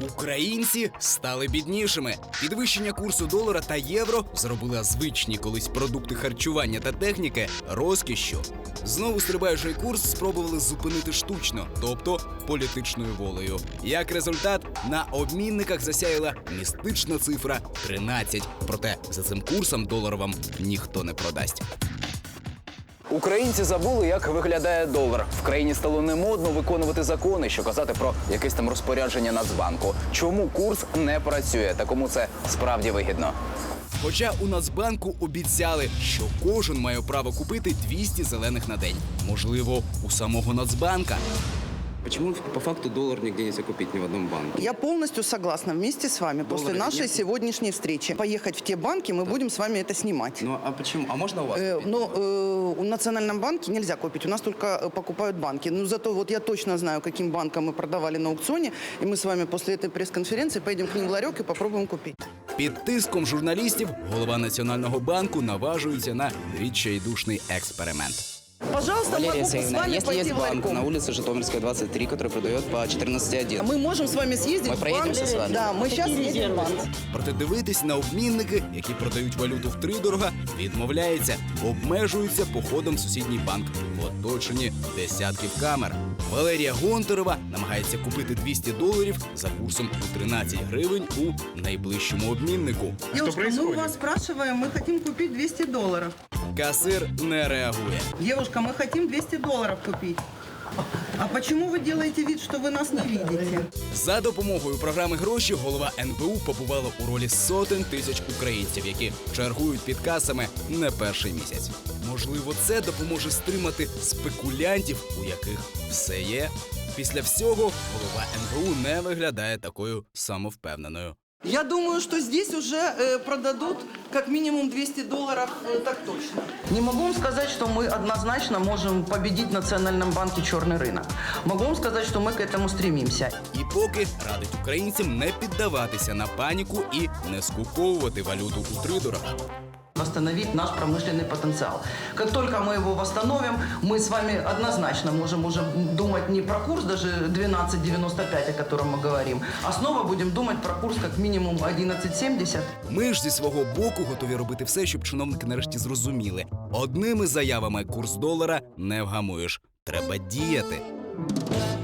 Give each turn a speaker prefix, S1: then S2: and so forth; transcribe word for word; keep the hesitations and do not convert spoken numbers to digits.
S1: Українці стали біднішими. Підвищення курсу долара та євро зробили звичні колись продукти харчування та техніки розкішшю. Знову стрибаючий курс спробували зупинити штучно, тобто політичною волею. Як результат, на обмінниках засяяла містична цифра тринадцять. Проте за цим курсом долар вам ніхто не продасть. Українці забули, як виглядає долар. В країні стало немодно виконувати закони, що казати про якесь там розпорядження Нацбанку. Чому курс не працює та кому це справді вигідно? Хоча у Нацбанку обіцяли, що кожен має право купити двісті зелених на день. Можливо, у самого Нацбанка.
S2: Почему по факту доллар нигде нельзя купить ни в одном банке?
S3: Я полностью согласна вместе с вами.
S2: Доллара
S3: После нашей
S2: нет?
S3: сегодняшней встречи поехать в те банки, мы будем с вами это снимать.
S2: Ну а почему? А можно у вас?
S3: Э,
S2: купить?
S3: но э, у Национальном банке нельзя купить, у нас только э, покупают банки. Но зато вот я точно знаю, каким банкам мы продавали на аукционе, и мы с вами после этой пресс-конференции поедем к ним в ларек и попробуем купить.
S1: Під тиском журналістів голова Національного банку наважується на відчайдушний експеримент.
S3: Пожалуйста,
S2: Валерия
S3: могу с
S2: Саевна,
S3: вами
S2: если
S3: пойти
S2: есть
S3: в
S2: банк
S3: ларьком.
S2: на улице Житомирская, двадцать три, который продает по четырнадцать один.
S3: Мы можем с вами съездить
S2: Мы
S3: в банк.
S2: проедемся с вами?
S3: Да, мы сейчас едем в банк.
S1: Проте дивитись на обмінники, які продають валюту втридорога, відмовляється, обмежується походом в сусідній банк в оточенні десятків камер. Валерія Гонтарева намагається купити двісті доларів за курсом у тринадцять гривень у найближчому обміннику.
S3: Девушка, мы у вас спрашиваем, мы хотим купить двести долларов.
S1: Касир не реагує.
S3: Девушка, мы хотим двести долларов купить. А почему вы делаете вид, что вы нас не видите?
S1: За допомогою програми «Гроші» голова ен бе у побувала у ролі сотень тисяч українців, які чергують під касами не перший місяць. Можливо, це допоможе стримати спекулянтів, у яких все є. Після всього голова ен бе у не виглядає такою самовпевненою.
S3: Я думаю, что здесь уже э, продадут как минимум двести долларов, э, так точно. Не могу вам сказать, что мы однозначно можем победить в Национальном банке черный рынок. Могу вам сказать, что мы к этому стремимся.
S1: І поки радить українцям не піддаватися на паніку і не скуповувати валюту у тридорога.
S3: Восстановить наш промышленный потенциал. Как только мы его восстановим, мы с вами однозначно можем уже думать не про курс даже двенадцать девяносто пять, о котором мы говорим, а снова будем думать про курс как минимум одиннадцать семьдесят.
S1: Ми ж зі свого боку готові робити все, щоб чиновники нарешті зрозуміли. Одними заявами курс долара не вгамуєш. Треба діяти.